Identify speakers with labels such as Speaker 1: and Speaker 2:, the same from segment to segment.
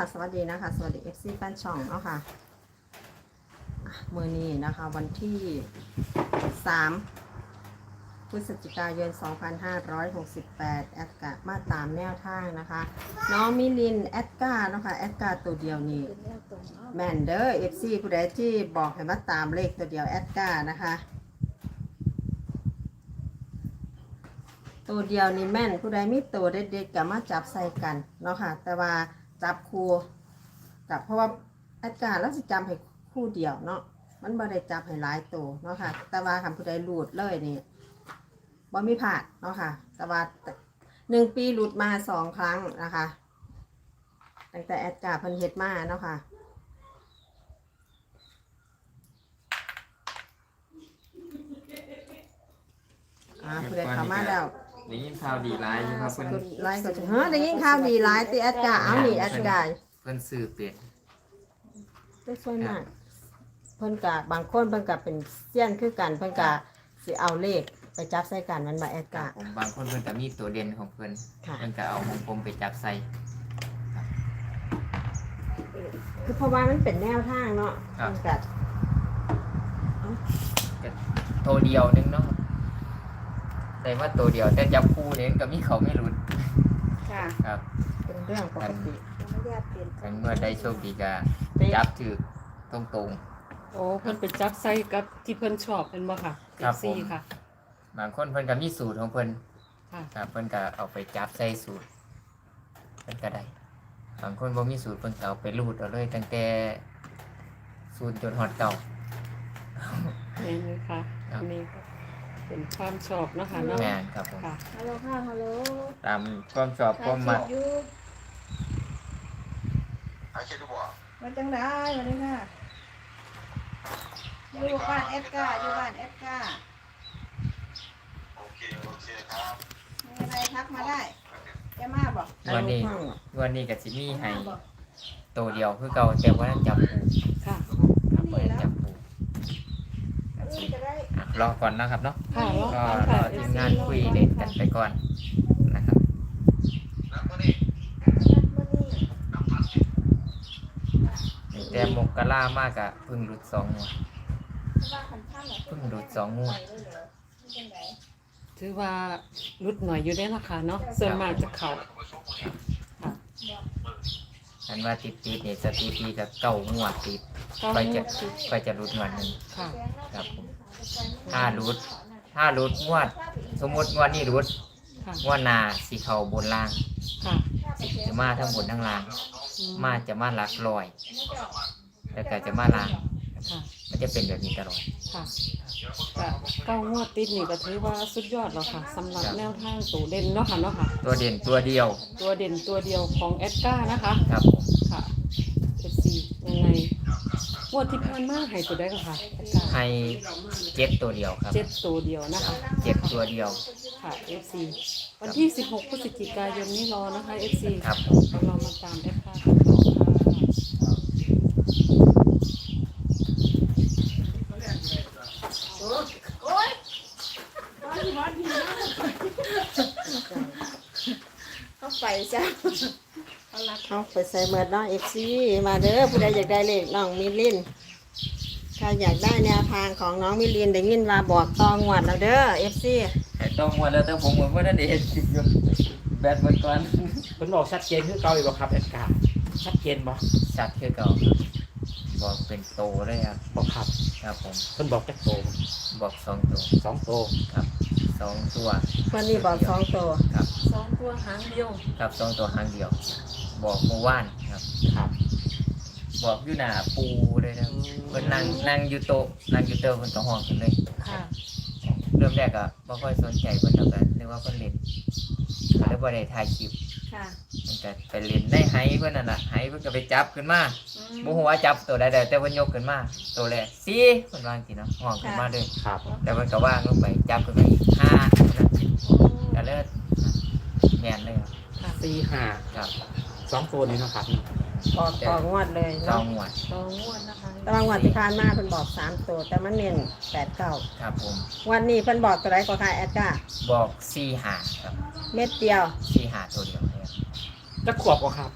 Speaker 1: สวัสดีนะคะสวัสดี FC แฟนช่องเนาะค่ะมื้อนี้นะคะวันที่3พฤศจิกายน2568แอดกามาตามแนวทางนะคะน้องมิลินแอดกาเนาะค่ะแอดกาตัวเดียวนี่แมนเดอร์ FC ผู้ใดที่บอกให้มาตามเลขตัวเดียวแอดกานะคะตัวเดียวนี่แม่นผู้ใดมีตัวเด็ดๆก็มาจับใส่กันเนาะค่ะแต่ว่าจับคู่จับเพราะว่าแอดการ์แล้วสิจำให้คู่เดียวเนาะมันบ่ได้จับให้หลายตัวเนาะค่ะแต่ว่าคำผู้ใดหลุดเลยนี่บ่มีพลาดเนาะค่ะแต่ว่า1 ปีหลุดมา2 ครั้งนะคะตั้งแต่แอดการ์เพิ่นเฮ็ดมาเนาะค่ะผู้ใดเข้ามาแล้ว
Speaker 2: ได้ยินข่าวดีร้ายอยู่ครับเพิ่น
Speaker 1: ไลน์ก็จะได้ยินข่าวดีหลายติแอดการ์เอานี่แอดการ์
Speaker 2: เพิ่นซื้อเป็น
Speaker 1: ได้ช่วยมากเพิ่นกะบางคนเพิ่นกะเป็นเซียนคือกันเพิ่นกะสิเอาเลขไปจับใส่กันมันบ่แอดกะ
Speaker 2: บางคนเพิ่นก็มีตัวเด่นของเพิ่นเพิ่นก็เอาของผมไปจับใส่
Speaker 1: คือเพราะว่ามันเป็นแนวทางเนาะเพิ่นกะ
Speaker 2: ตัวเดียวนึงเนาะแต่ว่าตัวเดียวแต่จับคู่เนี่ยก็มีเขาไม่หลุด
Speaker 1: ค่ะ
Speaker 2: ครับ
Speaker 1: เป็นเรื่องปกติ
Speaker 2: กันเมื่อได้โชคดีก็จับถือตรง
Speaker 3: ๆโอ้เพิ่นไปจับใส่กับที่เพิ่นชอบเป็นบ่ค่ะ
Speaker 2: FCค่ะบางคนเพิ่นก็มีสูตรของเพิ่น
Speaker 3: ค่ะ
Speaker 2: ครับเพิ่นก็เอาไปจับใส่สูตรเพิ่นก็ได้บางคนบ่มีสูตรเพิ่นก็เอาไปรูดเอาเลยตั้งแต่สูตรจนฮอดเก่า
Speaker 3: นี่เลยค่ะอันนี้เป็นความชอบนะคะเนาะ
Speaker 2: แม่นครับผม
Speaker 1: ฮัลโหลค่ะฮัลโหล
Speaker 2: ตามความชอบความมัก
Speaker 1: มาจังได้มาเลยค่ะอยู่บ้านเอฟกาอยู่บ้านเอฟกา
Speaker 4: โอเคครับ
Speaker 1: มีอะไรทักมาได้จะมาบอก
Speaker 2: วันนี้ก็สิมีให้ตัวเดียวคือเก่าแต่ว่าจับปู
Speaker 3: ค่ะ
Speaker 2: ครับบ่ได้จับปูรอก่อนนะครับเนาะก็รอทีมงานคุยเล่นกันไปก่อนนะครับแต่มกลามากอะพึ่งหลุด2 งวดพึ่งหลุด2 งวด
Speaker 3: ถือว่ารุดหน่อยอยู่ได้ราคาเนาะส่วนมากจะเข้า
Speaker 2: อันว่าติดเนี่ยสถิติกับ9 งวดติดไปจะรุดงวดนึงครับผมถ้ารุดงวดสมมติงวดนี้รุดงวดหน้าสิเข้าบนล่างจะมาทั้งบนทั้งล่างจะมาหลักร้อยแล้วก็จะมาล่างมันจะเป็นแบบนี้ตลอด
Speaker 3: ค่ะแต่9 งวดติดนี่ก็ถือว่าสุดยอดแล้วค่ะสำหรับแนวทางตัวเด่นเนาะค่ะ
Speaker 2: ตัวเด่นตัวเดียว
Speaker 3: ของแอดก้านะคะ
Speaker 2: ครับผม
Speaker 3: ค่ะ FC ยังไงงวดที่ผ่านมาให้ตัวได้ก็ค่ะ
Speaker 2: ให้7 ตัวเดียวครับ
Speaker 3: 7 ตัวเดียวนะคะ
Speaker 2: 7 ตัวเดียว
Speaker 3: ค่ะ FC วันที่16 พฤศจิกายนนี้รอนะคะ FC
Speaker 2: ครับ
Speaker 3: เรามาตามแอดก้ากันต่อ
Speaker 1: เข้าไปจ้ะเขาไปใส่เมือน้องเอฟซีมาเด้อผู้ใดอยากได้เลขน้องมิลินถ้าอยากได้แนวทางของน้องมิลินได้ยินว่าบอกตองวดแล้วเด้อเอฟซี
Speaker 2: ต้องงวดแล้วแต่ผมเหมือนว่านั่นเองอยู่แบตหมดก่อน
Speaker 5: เพิ่นบอกชัดเจนคือเก่าอีกบ่ครับแอดการ์ชัดเจนบ่
Speaker 2: ชัดคือเก่าบอกเป็นโตเลยครับ
Speaker 5: บอก
Speaker 2: ครับผม
Speaker 5: เพิ่นบอกจักโต
Speaker 2: บอก2 ตัว
Speaker 5: 2 โต
Speaker 2: ครับ2 ตัว
Speaker 1: วันนี้บอก2 ตัว
Speaker 2: ครับ
Speaker 3: 2 ตัวหางเดียว
Speaker 2: ครับ2 ตัวหางเดียวบอกเมื่อวานครับบอกอยู่หน้าปูเลยนะเพิ่นนั่งอยู่โต๊ะเพิ่นก็ห้องกันเลยเริ่มแรกอะบ่ค่อยสนใจเพิ่นแล้วกันนึกว่าเพิ่นเล่นก็เลยบ่ได้ถ่ายคลิปมันก็ไปเล่นในไหเพิ่นนั่นน่ะไหเพิ่นก็ไปจับขึ้นมาบ่ฮู้ว่าจับตัวใดแต่เพิ่นยกขึ้นมาตัวแรก4เพิ่นวางสิเนาะห้องขึ้นมาเลยแล้วเพิ่นก็วางลงไปจับขึ้นมาอีก5นั่นก็เลยแม่นเลย
Speaker 5: ครับ4 5
Speaker 2: ครับ
Speaker 5: 2 ตัวนี้เนาะครับ
Speaker 1: ออกงวดเลย
Speaker 2: 2 งวด
Speaker 3: นะคะ
Speaker 1: แต่บางวันที่ผ่านมาเพิ่นบอก3 ตัวแต่มันเน้น8 9
Speaker 2: ครับผม
Speaker 1: วันนี้เพิ่นบอกตัวใดก็ค่ะแอดก้า
Speaker 2: บอก4 5ครับ
Speaker 1: เม็ดเดียว
Speaker 2: 4 5ตัวเดียวครับ
Speaker 5: จะขวบบ่ครับ
Speaker 2: ข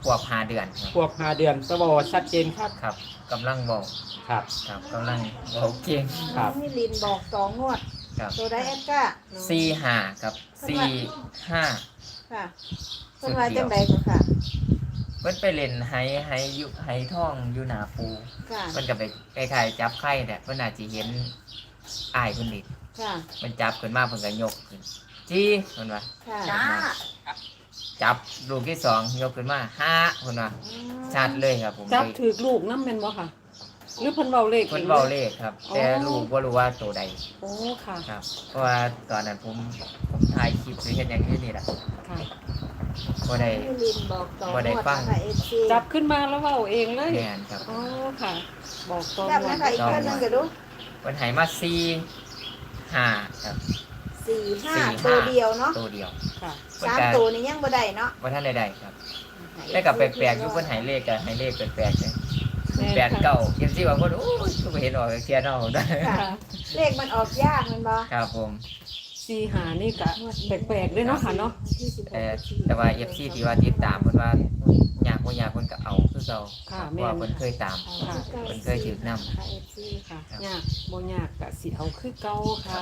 Speaker 2: ขวบ5เดือนครับ
Speaker 5: ขวบ5เดือนสวชัดเจนครับ
Speaker 2: ครับกำลังบอก
Speaker 5: ครับ
Speaker 2: ครับกำลังบอกเก่ง
Speaker 5: ครับ
Speaker 6: มิลินบอก2งวด
Speaker 2: ครับ
Speaker 6: ตัวได้แอดก้า
Speaker 2: 4-5ครับ4-5
Speaker 6: ค่ะเพิ่นว่าจังไดก็ค่ะ
Speaker 2: เพิ่นไปเล่นไฮอยู่ไฮท่องอยู่หน้าปู
Speaker 6: ค่ะ
Speaker 2: เพิ่นก็ไปคล้ายๆจับไข่เนี่ยเพิ่นอาจสิเห็นอ้ายเพิ่นนี่
Speaker 6: ค่ะ
Speaker 2: มันจับขึ้นมาเพิ่นก็ยกขึ้นจี้เพิ่นว่า
Speaker 6: ค่ะ
Speaker 2: จับลูกที่สองยกขึ้นมา5เพิ่นว่าชัดเลยครับผม
Speaker 3: จับถือลูกน้ำแม่นบ่ค่ะ หรือเพิ่นเว้าเลข
Speaker 2: เพิ่นเว้าเลขครับ แต่ลูกบ่รู้ว่าตัวใด
Speaker 3: โอ้ค่ะ
Speaker 2: ครับ เพราะว่าตอนนั้นผมถ่ายคลิปหรือเฮ็ดหยังอยู่นี่แหละ
Speaker 3: ค่ะ
Speaker 2: บ่ได้
Speaker 6: มิลินบอก2ง
Speaker 2: บ่
Speaker 6: วด
Speaker 2: ได้ฟัง
Speaker 6: นะคะ FC
Speaker 3: จับขึ้นมาแล้วเว้าเองเลย
Speaker 2: แม่นครับ
Speaker 3: อ๋อค่ะ บอกตอน
Speaker 6: จับนะคะอีกเพิ่นนึงก็ดู
Speaker 2: เพิ่นให้มา4-5ครับ
Speaker 6: 4-5ตัวเดียวเนาะ
Speaker 2: ตัวเดียว
Speaker 3: ค่ะ
Speaker 2: เพิ่นก็
Speaker 6: 3ตัวนี่ยังบ่ได้เนาะ
Speaker 2: บ่ทันได้ครับแต่ก็แปลกๆอยู่เพิ่นให้เลขก็ให้เลขแปลกๆเลย
Speaker 3: แม่นค่ะ
Speaker 2: 89ยังสิว่าเพิ่นโอ้ยก็บ่เห็นออกเทียนเอาได้
Speaker 6: ค่ะ เลขมันออกยากแมันบ่
Speaker 2: ครับผม
Speaker 3: 4-5นี่ก็แปลกๆด้วยเนาะค่ะเนาะ
Speaker 2: แต่ว่า FC ที่ว่าติดตามเพิ่นว่ายากบ่ยากเพิ่นก็เอาคือเก่า
Speaker 3: ค่ะ
Speaker 2: เพราะ
Speaker 3: แม่
Speaker 2: ว่าน เพิ่นเคยตาม
Speaker 3: ค่ะ
Speaker 2: เพิ่นเคยถือนำ
Speaker 6: ค่ะ FC
Speaker 3: ค่ะยากบ่ยากก็สิเอาคือเก่าค่ะ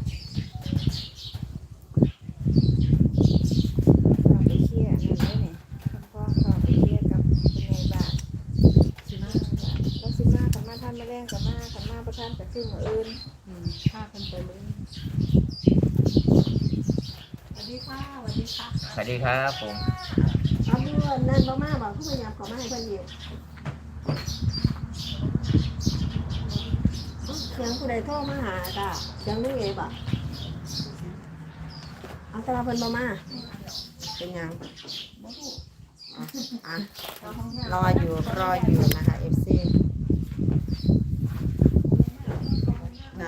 Speaker 6: เข้าไปเคลียร์นั่นได้นี่พ่อเข้าไปเคลียร์กับเป็นไงบ้างแล้วสิมากับมาท่านมาแรงกับมากับมาประทานกับซึ่งมื้ออื่น
Speaker 3: พากันไปเลย
Speaker 6: สวัสดีค่ะสวัสดีค่ะ
Speaker 2: สวัสดีครับผม
Speaker 1: เอาเพื่อนนั่นบ่มาบอกผู้พยายามขอมาให้เพิ่นอยู่เสียงผู้ใดโทรมาหาจ้ะเสียงนี่ไงบ่เอาแต่ว่าเพิ่นบ่มาเป็นหยังอ่ะรออยู่นะคะ FC ค่ะ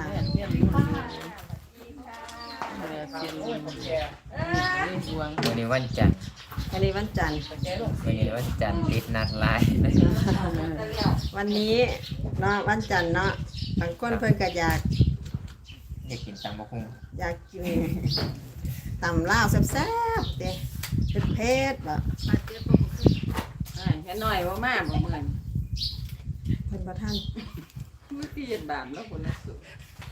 Speaker 2: วันนี้วันจันทร์
Speaker 1: วันนี้วันจันทร์
Speaker 2: วันนี้วันจันทร์ติดนัดหลาย
Speaker 1: วันนี้เนาะวันจันทร์เนาะบางคนเพิ่นก็อยาก
Speaker 2: อยากกินตำบักหุ่ง
Speaker 1: อยากกินตำลาวแซ่บๆเด้เผ็ดๆบ่
Speaker 7: แค่น้อยว่ามากบ่เหมือน
Speaker 1: เพิ่นบ่ทัน
Speaker 7: มือตีเย็นบาปแล้วคนละสุด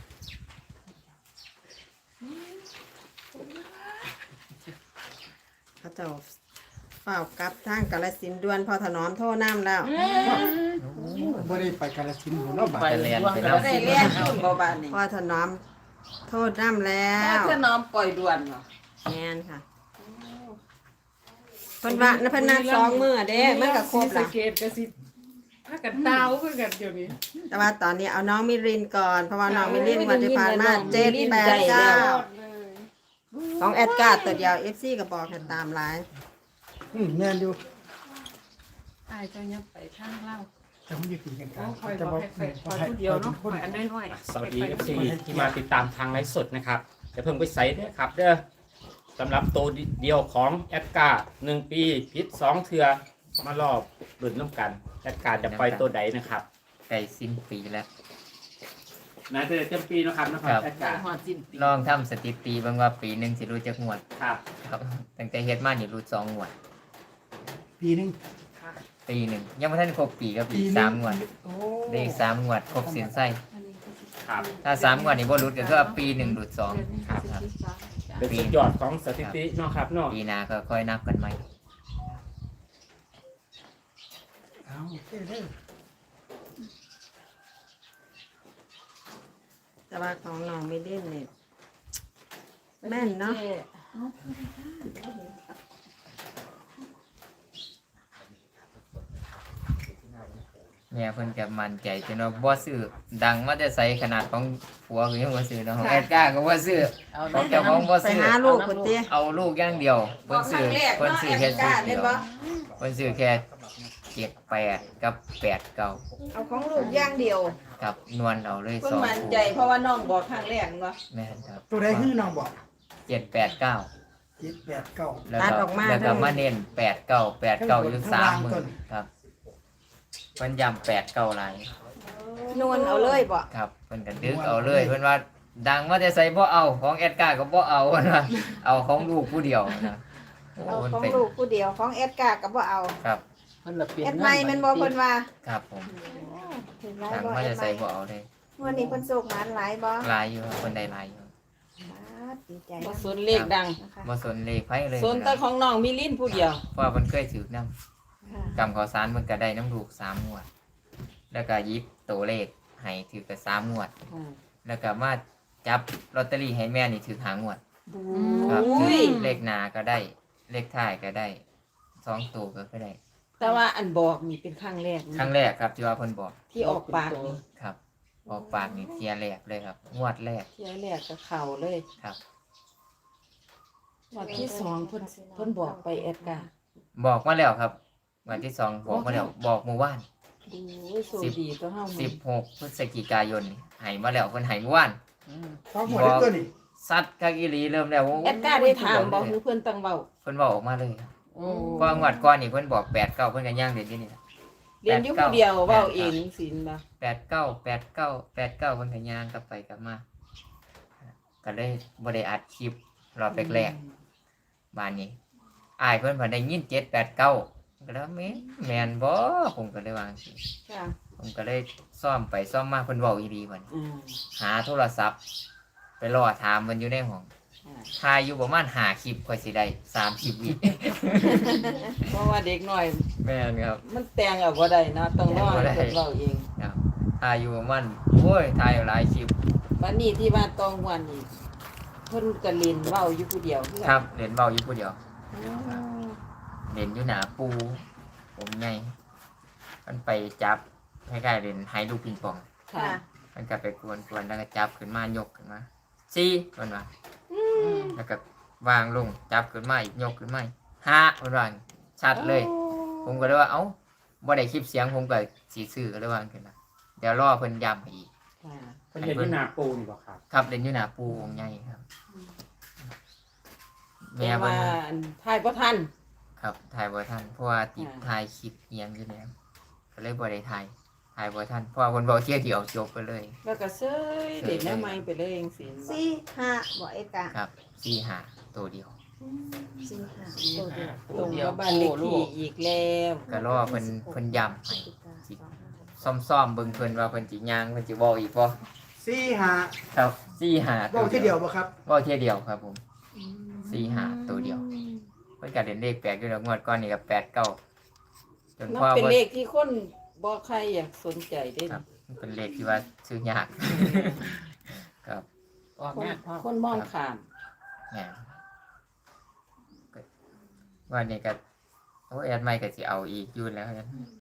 Speaker 1: เขาเจ้าเฝ้ากลับทางกาฬสินธุ์ด่วนพอถนอมโทรน้ำแล้ว
Speaker 8: บ่ได้ไปกาฬสินธุ์หัวเราะบาด
Speaker 2: ไปเรียนไป
Speaker 7: ก็
Speaker 2: นำ
Speaker 7: ได้เรียนขึ้นบ่บานนี่
Speaker 1: พอถนอมโทษน้ำแล้
Speaker 7: ถ้าว เธอน้อมปล่อยด่วนเหรอ
Speaker 1: แม่นค่ะเพิ่นว่าเพิ่นนัด2มื้อเด้มันก็ครบ
Speaker 3: ส
Speaker 1: ละ
Speaker 3: เกตก็สิพากันดาวคือกันเดี๋ยวนี้
Speaker 1: แต่ว่าตอนนี้เอาน้องมิรินก่อนเพราะว่าน้องมิรินวันที่ผ่านมา7 8 9ของแอดการ์ตัวเดียว FC ก็บอกให้ตามหลาย
Speaker 8: แม่นอยู่
Speaker 3: อายเจ้ายับไปทางเล่า
Speaker 8: แต่ผมอยู่กินกัน
Speaker 3: โอ้
Speaker 8: กัน
Speaker 3: คอย
Speaker 8: แต่
Speaker 3: บอกให้ไปคอยผู้เดียวเนาะคอยอันน้อยๆ
Speaker 5: สวัสดี FC ที่มาติดตามทางไลฟ์สดนะครับจะเพิ่งไปใส่ด้วยครับเด้อสำหรับตัวเดียวของแอดการ์1 ปีพิษ2เทือมารอบรุ่นน้ำกันแอดการ์จะปล่อยตัวใดนะครับ
Speaker 2: ใกล้สิ้นปีแล้ว
Speaker 5: น่าจะเต็มปีนะครับแอดการ์
Speaker 7: หอดสิ้นปี
Speaker 2: ลองทำสถิติเบิ่งว่าปีหนึงสิรู้จักงวด
Speaker 5: ครับ
Speaker 2: ครับตั้งแต่เฮ็ดมานี่รู้2งวด
Speaker 8: ปีหนึง
Speaker 2: ปีหนึงยังบ่ทันครบปีก็ปี3งวด
Speaker 8: โอ้
Speaker 2: ได้อีก3งวดครบสิ้นไส้
Speaker 5: ครับ
Speaker 2: ถ้า3งวดนี่บ่หลุดก็คือว่าปีหนึงหลุด2
Speaker 5: ครับเป็นสุดยอดของสถิติเนาะครับเนาะ
Speaker 2: ปีหน้าก็ค่อยนับกันใหม่
Speaker 8: เอาโอเคเด้อ
Speaker 1: แต่ว่าของน้องมิรินนี่แม่นเนาะ
Speaker 2: เนี่ยเพิ่นก็มั่นใจจนว่าบ่ซื้อดังมาแต่ไสขนาดของผัวก็ยังบ่ซื้อเนาะของแอดการ์ก็บ่ซื้อ
Speaker 7: เอา
Speaker 2: ของเจ้าของบ่
Speaker 1: ไป
Speaker 2: ซื้อ
Speaker 1: หาลูกพุ่นติ
Speaker 2: เอาลูกอย่างเดียวเพิ่นซื้อเพิ่นซื้อแค่ชุดเดียวเพิ่นซื้อแค่78กับ89
Speaker 6: เอาของลูกอย่างเดียว
Speaker 2: ครับนวลเอาเลย
Speaker 7: เพิ่ง
Speaker 2: 2
Speaker 7: มั่น
Speaker 2: คู่
Speaker 7: ใจเพราะว่าน้องบอกครั้งแรกเนาะ
Speaker 2: แม่นครับ
Speaker 8: ตัวใดคือน้องบอก
Speaker 2: 789
Speaker 8: 789
Speaker 2: แล้วก็มาเน้น89อยู่3มื้อครับเพิ่นย้ำ89หลาย
Speaker 6: นวลเอาเลยบ่
Speaker 2: ครับเพิ่นก็ดึกเอาเลยเพิ่นว่าดังมาแต่ไสบ่เอาของแอดการ์ก็บ่เอาเพิ่นว่าเอาของลูกผู้เดียวนะโอ้
Speaker 6: เอา
Speaker 2: มัน
Speaker 6: ของ
Speaker 2: เป็น
Speaker 6: ลูกผู้เดียวของแอดการ์ก็บ่เอา
Speaker 2: ครับ
Speaker 5: เพิ่นละเปลี่ยน
Speaker 1: แอดไม้แมันบ่เพิ่นว่า
Speaker 2: ครับผม
Speaker 6: ถึงหลาย
Speaker 2: ทาง
Speaker 6: บ่
Speaker 2: ว่า
Speaker 6: แอ
Speaker 2: จะ
Speaker 6: ด
Speaker 2: ใส่
Speaker 6: ไม้
Speaker 2: บ่เอาเลย
Speaker 6: วันนี้เพิ่นโศกหมานหลายบ่
Speaker 2: ลายอยู่ครับคนใดลายอยู่
Speaker 6: ดีใจ
Speaker 7: บ่
Speaker 6: นะ
Speaker 7: สนเลขดัง
Speaker 6: นะคะ
Speaker 2: บ่สนเลขไผเลย
Speaker 7: สนแต่ของน้องมิลินผู้เดียว
Speaker 2: เพราะว่าเพิ่นเคยถือนํ
Speaker 6: ค่ะ
Speaker 2: กำขอสารเพิ่นก็ได้น้ำลูก3งวด แล้วก็หยิบตัวเลขให้ถือก็3งวด แล้วก็มาจับลอตเตอรี่ให้แม่นี่ถือ5งวดครับ
Speaker 7: อุ้ย
Speaker 2: เลขหน้าก็ได้ เลขท้ายก็ได้2ตัวก็ได้
Speaker 7: แต่ว่าอันบอกนี่เป็นครั้งแรกนะ
Speaker 2: ครั้งแรกครับที่ว่าเพิ่นบอก
Speaker 7: ที่ออกปากนี่
Speaker 2: ครับออกปากนี่เทียแรกเลยครับ งวดแรก
Speaker 7: เที่ยแรกก็เข้าเลย
Speaker 2: ครับ
Speaker 7: วันที่สองเพิ่นบอกไปแอดการ์
Speaker 2: บอกมาแล้วครับวันที่สองบอกมาแล้วบอกเมื่อวาน
Speaker 7: ดูโซดีก็เฮานี่
Speaker 2: 16พฤศจิกายนนี่ให้มาแล้วเพิ่นให้เมื่อวาน
Speaker 8: สองหัวได้ตัวนี่
Speaker 2: ซัดคักอีหลีเริ่มแล้ว
Speaker 7: แอดการ์ได้ถามบอกคือเพิ่นตั้งเว้า
Speaker 2: เพิ่นบอกออกมาเลยครับ
Speaker 7: โอ้
Speaker 2: เพราะงวดก่อนนี่เพิ่นบอก8 9เพิ่นก็ย่างเด่นอยู่นี่ล่ะ
Speaker 7: เรียนอยู่ผู้เดียวเว้าเองสินบ่
Speaker 2: 8 9 8 9 8 9เพิ่นก็ย่างกลับไปกลับมาก็เลยบ่ได้อัดคลิปรอบแรกๆบ้านนี้อ้ายเพิ่นเพิ่นได้ยิน7 8 9ก็แล้วแม่นบ่ผมก็เลยว่าจังซี่
Speaker 7: ค่ะ
Speaker 2: ผมก็เลยซ่อมไปซ่อมมาเพิ่นเว้าอีหลีบัด
Speaker 7: อืม
Speaker 2: หาโทรศัพท์ ไปรอถามมันอยู่ในห้องถ่ายอยู่ประมาณ5คลิปค่อยสิได้30วิ
Speaker 7: เพราะว่าเด็กน้อย
Speaker 2: แม่นครับ
Speaker 7: มันแต่งเอาบ่ได้นะต้องรอให้เพิ่นเว้าเอง
Speaker 2: ครับถ่ายอยู่ประมาณโอ้ยถ่ายหลายคลิป
Speaker 7: วันนี้ที่บ้านตองหวันนี่เพิ่นก็เล่นเว้าอยู่ผู้เดียวคือ
Speaker 2: ค
Speaker 7: กั
Speaker 2: รั
Speaker 7: น
Speaker 2: บเล่นเว้าอยู่ผู้เดียว
Speaker 7: อ๋อ
Speaker 2: เล่นอยู่หน้าปูผมใหญ่มันไปจับคล้ายๆเล่นไฮลูกปิงปอง
Speaker 7: ค่ะ
Speaker 2: มันก็ไปกวนๆแล้วก็จับขึ้นมายกขึ้นมา4เพิ่นว่าแล้วก็วางลงจับขึ้นมาอีกยกขึ้นมาอีก5เพิ่นว่าชัดเลย ผมก็เลยว่าเอ้าบ่ได้คลิปเสียงผมก็สิซื้อก็เลยว่าขึ้นนะเดี๋ยวรอเพิ่นย้ำให้อีก
Speaker 7: ค่ะ
Speaker 5: เพิ่นเห็นที่หน้าปูนี่บ่ครับ
Speaker 2: ครับเล่นอยู่หน้าปูวงใหญ่ครับแม่
Speaker 7: แต่
Speaker 2: เพิ่
Speaker 7: ว่าน อันทายบ่ทัน
Speaker 2: ครับถ่ายบ่ทันเพราะว่าติด
Speaker 7: อ่า
Speaker 2: ถ่ายคลิปเอียงอยู่แล้วก็เลยบ่ได้ถ่ายบ่ทันเพราะว่าเพิ่นบอกเที่ยเดียวจบไปเลย
Speaker 7: แล้วก็เซยเล่นแนวใหม่ไปเลยจังซี่
Speaker 6: สี่ห้าบ่เอ็ดกะ
Speaker 2: ครับ4-5ตัวเดียว
Speaker 6: สี่ห้าตัวเดียว
Speaker 7: ตรงกับบ้านเลขที่อีกแล้ว
Speaker 2: ก็รอเพิ่นย้ำให้ซ่อมๆเบิ่งเพิ่นว่าเพิ่นสิย่างเพิ่นสิเว้าอีกบ่
Speaker 8: 4-5
Speaker 2: ครับ4-5
Speaker 8: บอกที่เดียวบ่ครับ
Speaker 2: เว้าเที่ยเดียวครับผม4-5ตัวเดียวเพิ่นก็เล่นเลขแปลกอยู่แล้วงวดก่อนนี่ก็8-9จน
Speaker 7: นับ
Speaker 2: พ่อ
Speaker 7: เป็น
Speaker 2: บ่
Speaker 7: เลขที่คนบ่ใครอยากสนใจได้
Speaker 2: ครับมันเป็นเลขที่ว่าซื้อยาก ครับ
Speaker 5: ออก
Speaker 7: คน
Speaker 5: งานพ่อ
Speaker 7: คนมองข้าม
Speaker 2: แหมก็วันนี้ก็โอ้แอดไม่ก็สิเอาอีกอยู่แล้วกัน